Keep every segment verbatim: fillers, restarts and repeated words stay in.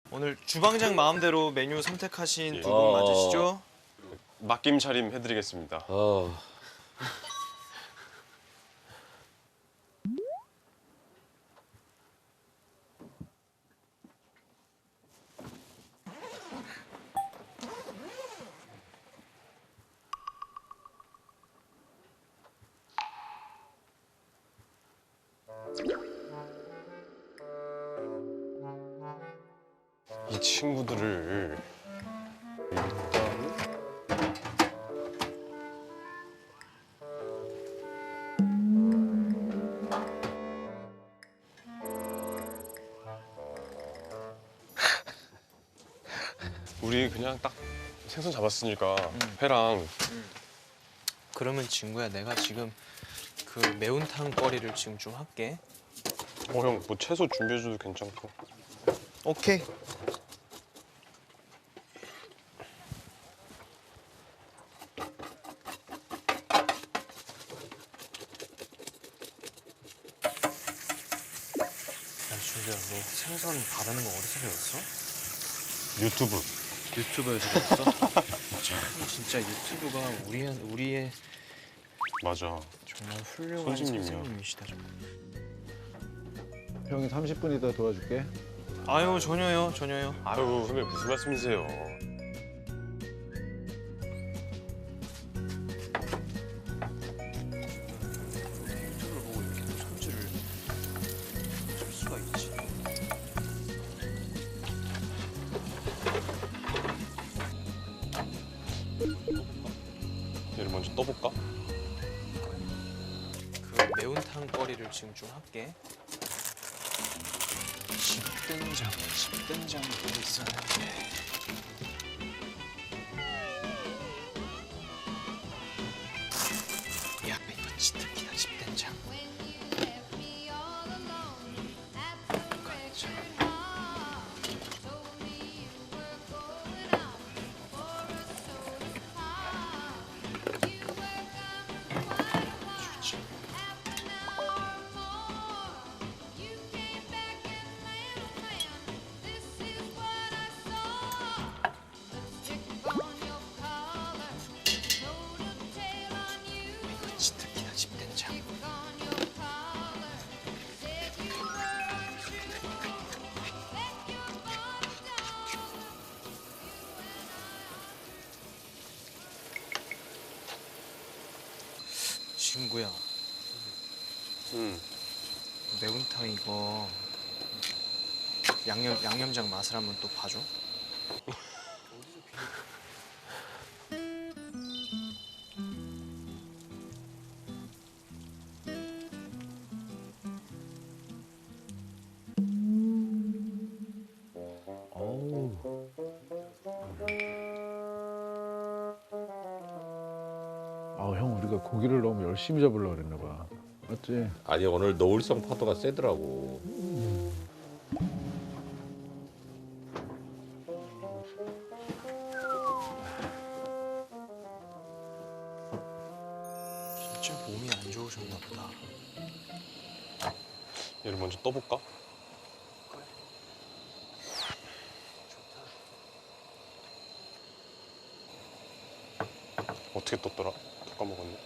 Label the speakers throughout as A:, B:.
A: 오늘 주방장 마음대로 메뉴 선택하신
B: 예.
A: 두 분
C: 어.
A: 맞으시죠?
B: 맡김 차림 해드리겠습니다.
C: 어.
B: 이 친구들을 일단 우리 그냥 딱 생선 잡았으니까 회랑
A: 그러면 친구야 내가 지금 그 매운탕 거리를 지금 좀 할게.
B: 어 형 뭐 채소 준비해줘도 괜찮고.
A: 오케이. 야 준규야 너 생선 바르는 거 어디서 배웠어?
B: 유튜브.
A: 유튜브에서 배웠어? 참 진짜 유튜브가 우리, 우리의
B: 맞아.
A: 정말 훌륭한
B: 선생님이야.
A: 선생님이시다 정말.
D: 형이 삼십 분 있다 도와줄게.
A: 아유 전혀요 전혀요.
B: 아유 선배 무슨 말씀이세요?
A: 유튜브를 보고 이렇게 손질을 할 수가 있지.
B: 얘를 먼저 떠볼까?
A: 그 매운탕 거리를 지금 좀 할게. 집된장, 집된장 보고 있었는데. 야, 이거 치트키다 집된장. 좋지. 이거 치트키다 집된장. 친구야,
B: 응.
A: 매운탕 이거 양념 양념장 맛을 한번 또 봐줘.
D: 어우. 아, 형 우리가 고기를 너무 열심히 잡으려고 그랬나 봐. 맞지?
C: 아니 오늘 노을성 파도가 세더라고.
A: 진짜 몸이 안 좋으셨나 보다.
B: 얘를 먼저 떠볼까? 어떻게 떴더라? 또 까먹었네.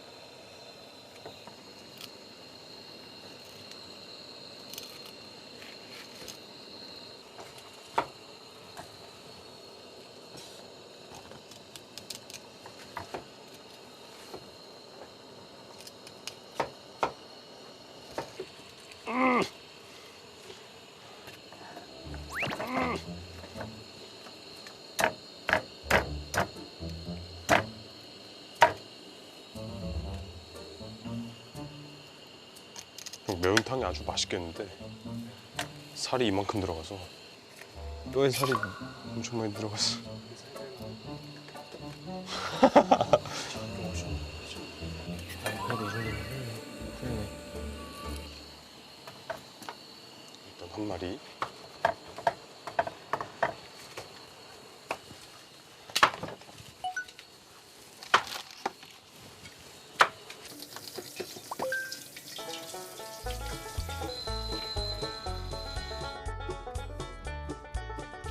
B: 형, 매운탕이 아주 맛있겠는데 살이 이만큼 들어가서 뼈에 살이 엄청 많이 들어갔어.
A: 그래도 이 정도면 훌륭해.
B: 일단 한 마리.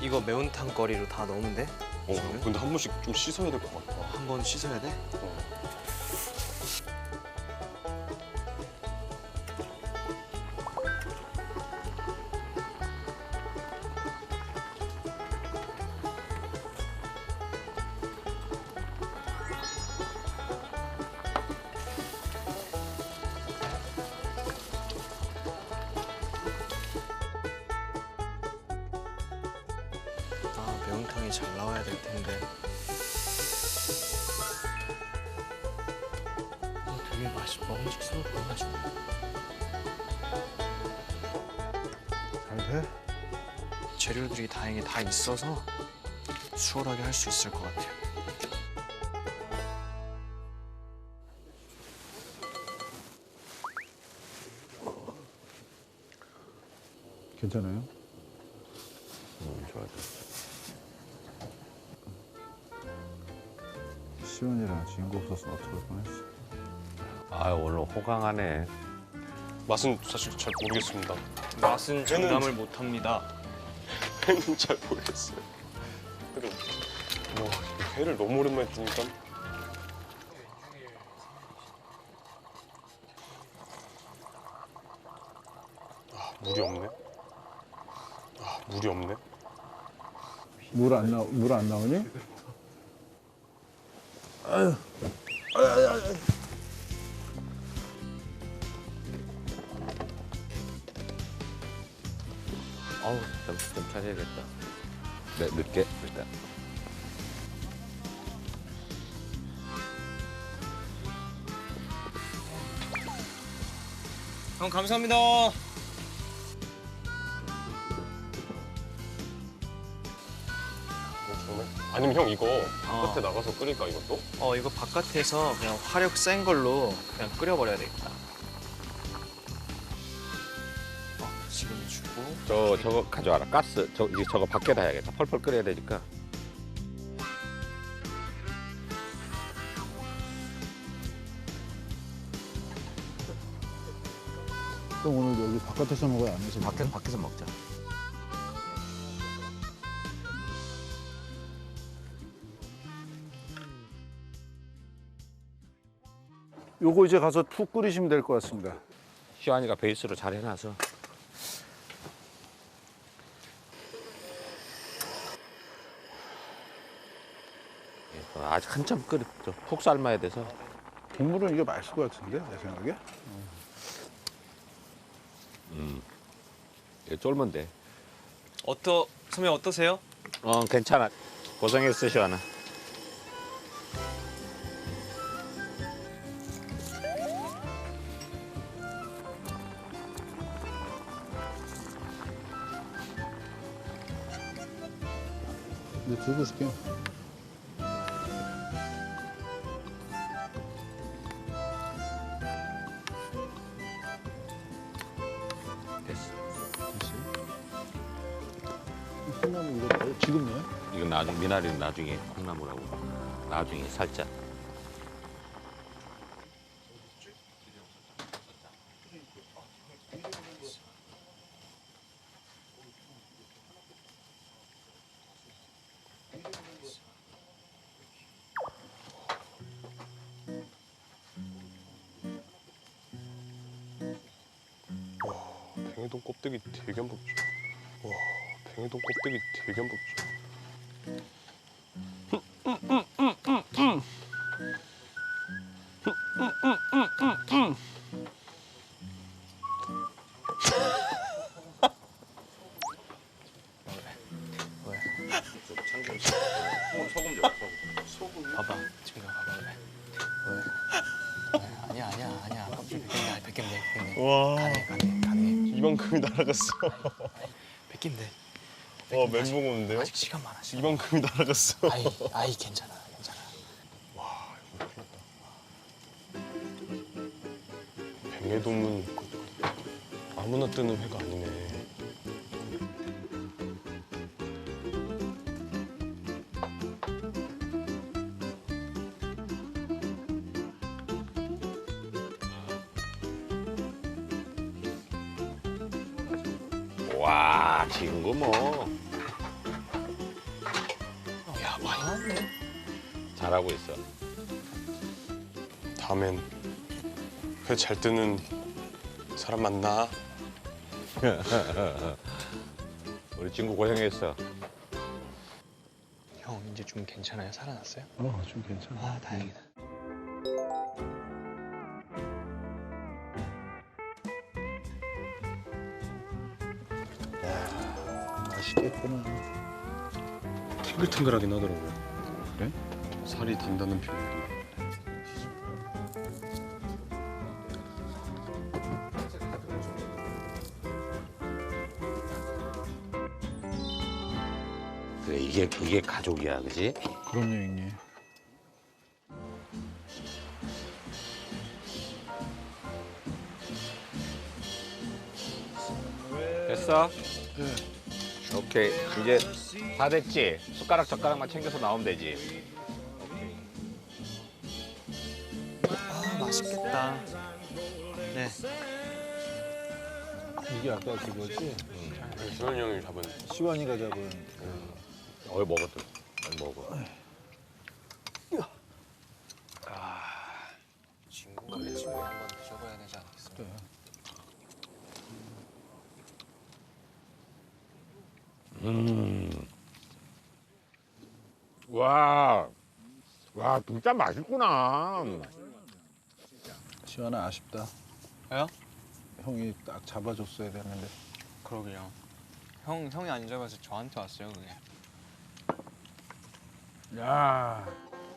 A: 이거 매운탕 거리로 다 넣으면 돼?
B: 어, 근데 한 번씩 좀 씻어야 될 것 같아.
A: 한 번 씻어야 돼?
B: 어.
A: 아, 매운탕이 잘 나와야 될 텐데. 어, 되게 맛이 먹음직스러워 보여가지고.
D: 잘 돼?
A: 재료들이 다행히 다 있어서 수월하게 할 수 있을 것 같아요.
D: 괜찮아요?
C: 음, 좋아, 좋아.
D: 시원이랑 진구 없었으면 어떡할 뻔했어.
C: 아 오늘 호강하네.
B: 맛은 사실 잘 모르겠습니다.
A: 맛은 장담을 못합니다.
B: 회는 잘 모르겠어요. 그래. 와, 이 회를 너무 오랜만에 뜨니까. 아, 물이 없네. 아, 물이 없네.
D: 물 안 나, 물 안 나오니?
C: 어우 정신 좀 차려야겠다. 네 늦게 일단.
A: 형 감사합니다.
B: 어, 정말? 아니면 형 이거
A: 어.
B: 바깥에 나가서 끓일까 이것도?
A: 어, 이거 바깥에서 그냥 화력 센 걸로 그냥 끓여버려야 되겠다. 어, 지금 주고.
C: 저 저거 가져와라. 가스. 저 이제 저거 밖에다 해야겠다. 펄펄 끓여야 되니까.
D: 형 오늘 여기 바깥에서 먹어야 안에서 먹어?
C: 밖에서 밖에서 먹자.
D: 요거 이제 가서 푹 끓이시면 될 것 같습니다.
C: 시환이가 베이스로 잘 해놔서. 예, 아직 한참 끓여 푹 삶아야 돼서.
D: 국물은 이게 맛있을 것 같은데 내 생각에.
C: 예, 쫄면 돼.
A: 어떠 선배 어떠세요?
C: 어 괜찮아. 고생했어 시환아.
D: 이제 들고 줄게.
C: 됐어.
D: 콩나물 이거 뭐 지금 내?
C: 이건 나중 미나리는 나중에 콩나물하고 나중에 살짝.
B: 뱅에돔 껍데기 되게 안 먹죠. 와, 뱅에돔 껍데기 되게 안 먹죠.
A: 봐봐, 지금 봐봐 왜? 왜? 왜? 아니야 아니야 아니야. 껍질 벗긴다 벗긴다 벗긴다.
B: 와,
A: 가능해 가능해 가능해.
B: 이만큼이 날아갔어.
A: 벗긴대.
B: 와, 멘붕 오는데요?
A: 아직 시간 많아. 시간.
B: 이만큼이 날아갔어.
A: 아이 아이 괜찮아 괜찮아.
B: 와, 이거 큰일 났다. 뱅에돔은 아무나 뜨는 회가 아니네.
C: 와 지금 거 뭐. 잘하고 있어.
B: 다음엔 회 잘 뜨는 사람 만나.
C: 우리 친구 고생했어.
A: 형 이제 좀 괜찮아요? 살아났어요?
D: 어, 좀 괜찮아.
A: 아 다행이다.
D: 맛있겠구나.
B: 탱글탱글하긴 하더라고요.
D: 그래?
B: 살이 든다는 표현이.
C: 그래 이게 그게 가족이야, 그지?
D: 그럼요, 형님.
C: 됐어? 오케이 이제 다 됐지? 숟가락 젓가락만 챙겨서 나오면 되지.
A: 아 맛있겠다. 네.
D: 이게 아까 그거지?
B: 시원이 형이 잡은.
D: 시완이가 잡은.
C: 어이 먹었다. 어이 먹어.
A: 친구가 내 친구에 한번 드셔봐야 되지 않겠어요?
D: 그래.
C: 음. 와, 와 진짜 맛있구나.
D: 시완아 아쉽다.
A: 왜요?
D: 형이 딱 잡아줬어야 되는데.
A: 그러게요. 형 형이 안 잡아서 저한테 왔어요 그게.
D: 야.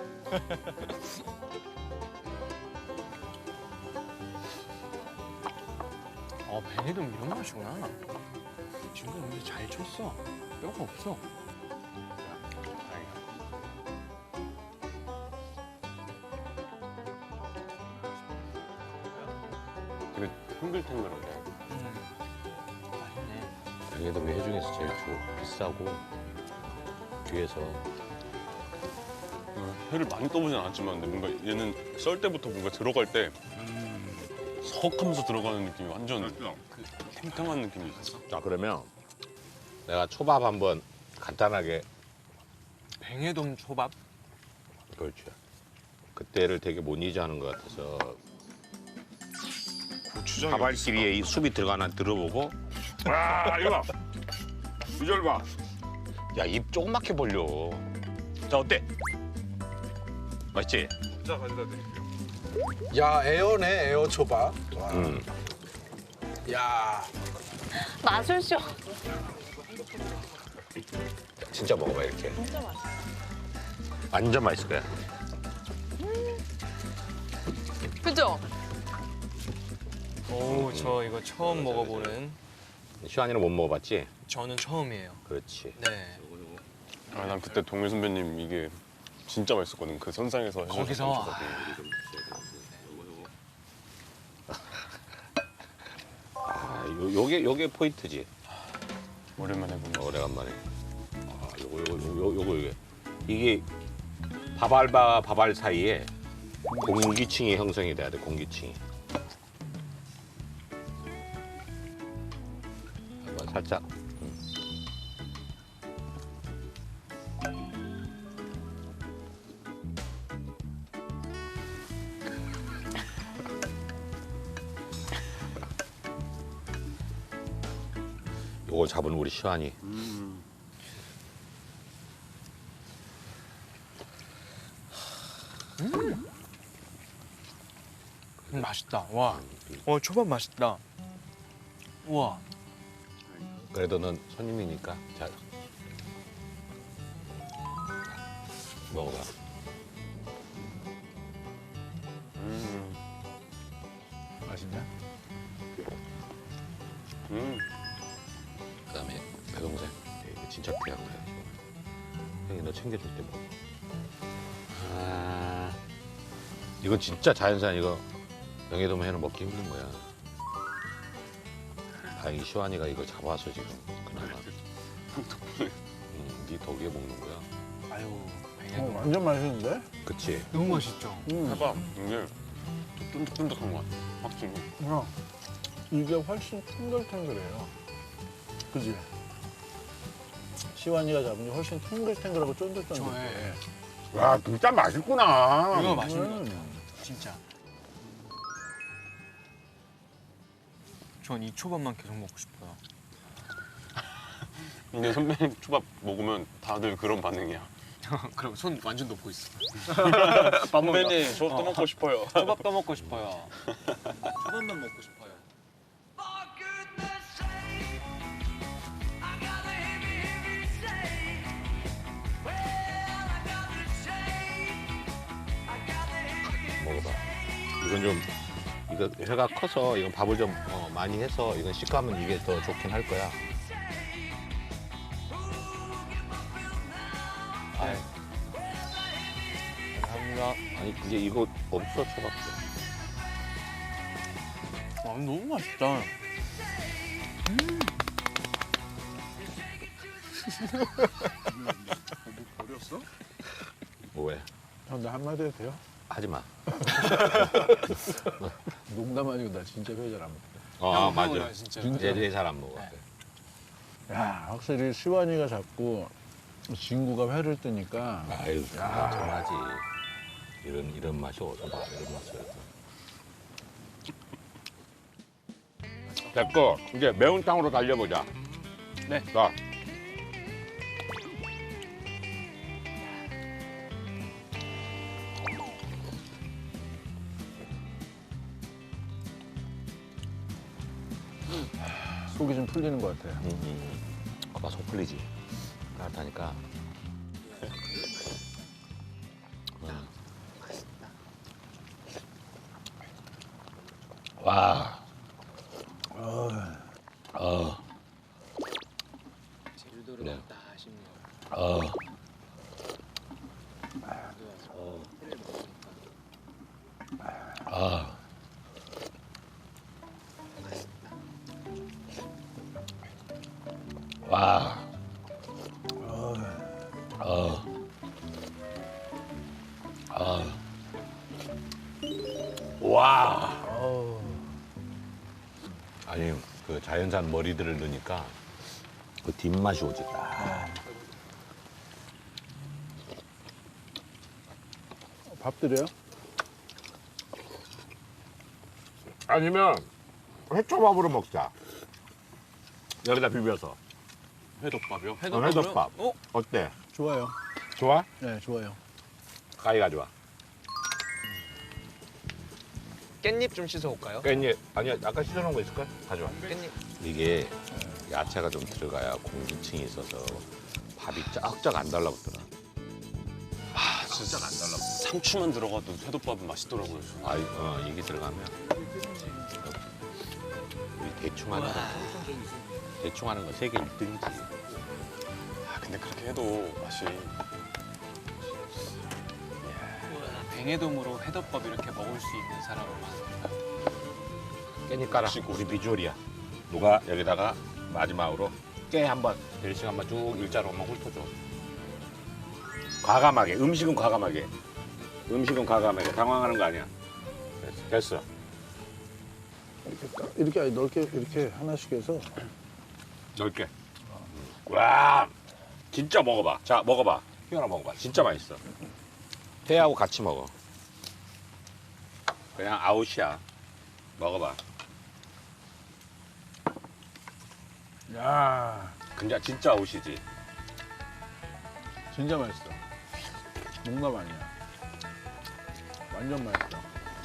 A: 어 뱅이도 이런 맛이구나. 친구 근데 잘 쳤어. 뼈가 없어.
B: 되게 탱글탱글하게.
A: 음. 맛있네.
C: 여기도 회 중에서 제일 좋 비싸고 뒤에서
B: 어, 회를 많이 떠보진 않았지만 근데 뭔가 얘는 썰 때부터 뭔가 들어갈 때 석 하면서 들어가는 느낌이 완전 그 탱탱한 느낌이 있어.
C: 자 그러면 내가 초밥 한번 간단하게.
A: 뱅에돔 초밥?
C: 그렇지. 그때를 되게 못 잊어하는 것 같아서
B: 고추장이
C: 밥알끼리에 이 숲이 들어가나 들어보고. 와 이거 봐. 비주얼 봐. 야 입 조그맣게 벌려. 자 어때? 맛있지?
B: 진짜 가져다 드릴게요.
D: 야, 에어네, 에어 초밥. 와.
C: 음.
D: 야.
E: 마술쇼.
C: 진짜 먹어봐 이렇게.
E: 진짜 맛있어.
C: 완전 맛있을 거야.
E: 그죠?
A: 오 저 이거 처음 먹어보는.
C: 시환이는 못 먹어봤지?
A: 저는 처음이에요.
C: 그렇지.
A: 네.
B: 아, 난 그때 동일 선배님 이게 진짜 맛있었거든. 그 선상에서 해주셨던
A: 거기서?
B: 초밥이.
C: 아, 요, 요게 요게 포인트지.
B: 오랜만에 보는.
C: 오래간만에. 아, 요거 요거 요거 요거 요게 이게 밥알과 밥알 사이에 공기층이 형성이 돼야 돼. 공기층이. 한번 살짝. 음. 요거 잡은 우리 시환이.
B: 음.
A: 음, 맛있다. 와. 와 초밥 맛있다. 우와.
C: 그래도 넌 손님이니까 잘 먹어봐.
B: 음.
D: 맛있냐?
B: 음.
C: 그다음에 배동생. 이거 진짜 귀한 거야. 형이 너 챙겨줄 때 먹어. 아, 이건 진짜 자연산. 이거 명예돔 회는 먹기 힘든 거야. 다행히 시환이가 이거 잡아서 지금 그나마. 음, 네 덕에 먹는 거야.
A: 아유
D: 어,
A: 뱅에돔.
D: 완전 맛있는데?
C: 그치?
A: 너무 맛있죠.
D: 음.
B: 해봐. 이게 쫀득쫀득한 것 같아. 확실히.
D: 야, 이게 훨씬 탱글탱글해요. 그지? 시완이가 잡은 게 훨씬 탱글탱글하고 쫀득쫀득해.
A: 저의
C: 와 진짜 맛있구나.
A: 이거 맛있는 것
D: 음.
A: 같아요. 진짜. 전 이 초밥만 계속 먹고 싶어요.
B: 근데 선배님 초밥 먹으면 다들 그런 반응이야.
A: 그럼 손 완전 놓고 있어.
B: 선배님 저 또 먹고 싶어요.
A: 초밥도 먹고 싶어요. 초밥만 먹고 싶어요.
C: 먹어봐. 이건 좀 이거 회가 커서 이건 밥을 좀 어, 많이 해서 이건 식감은 이게 더 좋긴 할 거야.
A: 아이. 감사합니다.
C: 아니 그게 이거 없어 초밥도.
A: 아, 너무 맛있다.
C: 뭐 왜?
D: 형, 나 한마디 해도 돼요?
C: 하지 마.
D: 농담 아니고 나 진짜 회 잘 안 먹거든.
C: 어
A: 형,
C: 아, 맞아.
A: 형은 진짜.
C: 얘들이 잘 안 먹어.
A: 네.
D: 야, 확실히 시완이가 잡고 진구가 회를 뜨니까
C: 아유 전하지. 이런 이런 맛이 어디서 봐? 이런 맛이. 됐고 이제 매운탕으로 달려보자.
A: 네.
C: 자.
D: 속이 좀 풀리는 것 같아요.
C: 음, 아빠 속 풀리지. 따뜻하니까. 와. 어.
A: 제주도로
C: 네.
A: 갔다 싶네요.
C: 어. 아. 와. 어. 아. 와. 아니 그 자연산 머리들을 넣으니까 그 뒷맛이 오지. 딱.
D: 밥 드려요?
C: 아니면 회초밥으로 먹자. 여기다 비벼서.
B: 회덮밥이요?
C: 어, 회덮밥.
A: 어?
C: 어때?
D: 좋아요.
C: 좋아?
D: 네, 좋아요.
C: 가위가 좋아.
A: 깻잎 좀 씻어올까요?
C: 깻잎 아니야 아까 씻어놓은 거 있을까? 가져와.
A: 깻잎.
C: 이게 야채가 좀 들어가야 공기층이 있어서 밥이 쩍쩍 안 달라붙더라.
B: 아 진짜 안 달라. 상추만 들어가도 회덮밥은 맛있더라고요.
C: 아, 어, 이게 들어가면 우리 대충 하는 거 대충 하는 거 세계 일 등이지.
B: 아 근데 그렇게 해도 맛이
A: 뱅에돔으로 회덮밥 이렇게 먹을 수 있는 사람만.
C: 깻잎 깔아. 우리 비주얼이야. 누가 여기다가 마지막으로 깨 한번 델싱 한번 쭉 일자로 한번 훑어줘. 과감하게. 음식은 과감하게. 음식은 과감하게. 당황하는 거 아니야. 됐어. 됐어.
D: 이렇게, 딱- 이렇게 아니, 넓게 이렇게 하나씩 해서
C: 넓게. 와, 진짜 먹어봐. 자, 먹어봐. 희연아 먹어봐. 진짜 맛있어. 회하고 같이 먹어. 그냥 아웃이야. 먹어봐.
D: 야,
C: 근데 진짜 아웃이지.
D: 진짜 맛있어. 농담 아니야. 완전 맛있어.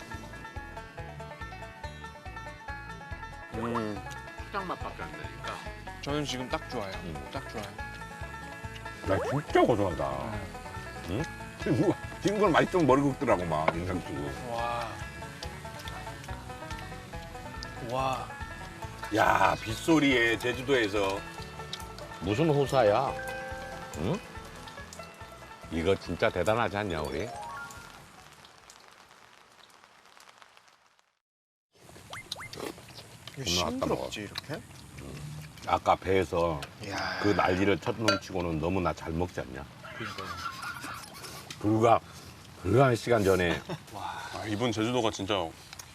B: 음
C: 초장 맛밖에 안 나니까.
A: 저는 지금 딱 좋아요.
C: 음.
A: 딱 좋아요.
C: 나 진짜 고소하다. 응? 친구, 친구는 맛있으면 머리 긁더라고 막 인상 쓰고.
A: 와. 와.
C: 야, 빗소리에 제주도에서 무슨 호사야? 응? 이거 진짜 대단하지 않냐 우리?
A: 이거
C: 겁나 갖다 먹어.
A: 싱그럽지 이렇게?
C: 아까 배에서
A: 이야.
C: 그 난리를 첫눈치고는 너무나 잘 먹지 않냐? 불과 불과 한 시간 전에
B: 아, 이번 제주도가 진짜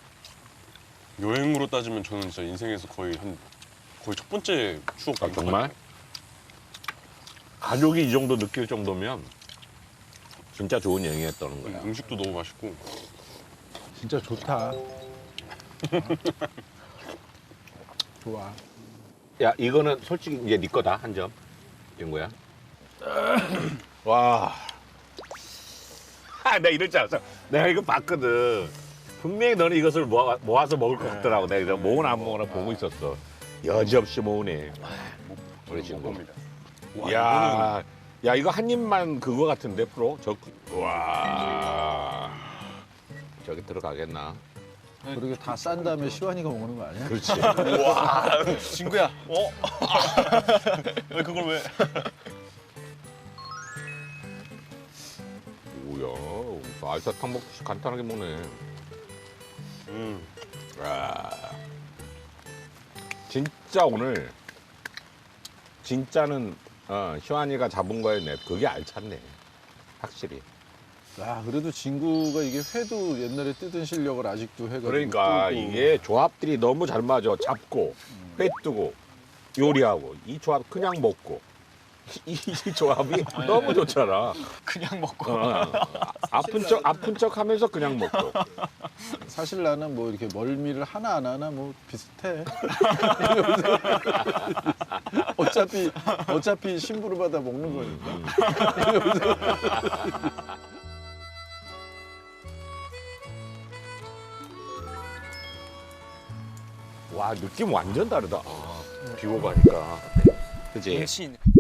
B: 여행으로 따지면 저는 진짜 인생에서 거의 한 거의 첫 번째 추억
C: 아, 정말? 가족이 이 정도 느낄 정도면 진짜 좋은 여행이었다는 거야.
B: 음식도 너무 맛있고.
D: 진짜 좋다. 좋아.
C: 야 이거는 솔직히 이제 네 거다 한 점. 된 거야. 와. 아, 내가 이럴 줄 알았어. 내가 이거 봤거든. 분명히 너는 이것을 모아, 모아서 먹을 것 같더라고. 내가 이거 모으나 안 모으나 보고 있었어. 여지없이 모으네. 우리 친구.
B: 겁니다.
C: 야, 야 이거 한 입만 그거 같은데 프로? 저, 와. 저기 들어가겠나?
D: 그렇게 다 싼 다음에 시완이가 먹는 거 아니야?
C: 그렇지.
A: 친구야. 어? 왜 그걸 왜?
C: 뭐야? 알사탕 먹듯이 간단하게 먹네.
B: 음.
C: 와. 진짜 오늘 진짜는 어, 희환이가 잡은 거에 내 그게 알찼네. 확실히.
D: 야, 그래도 진구가 이게 회도 옛날에 뜨던 실력을 아직도 해가지고.
C: 그러니까
D: 뜨고.
C: 이게 조합들이 너무 잘 맞아. 잡고 회 뜨고 요리하고 이 조합 그냥 먹고 이, 이 조합이 너무 좋잖아.
A: 그냥 먹고.
C: 어, 아픈 척 아픈 척 하면서 그냥 먹고.
D: 사실 나는 뭐 이렇게 멀미를 하나 안 하나 뭐 비슷해. 어차피 어차피 심부름 받아 먹는 거니까.
C: 와 느낌 완전 다르다. 비 오고 가니까. 그지?
A: 운치 있네.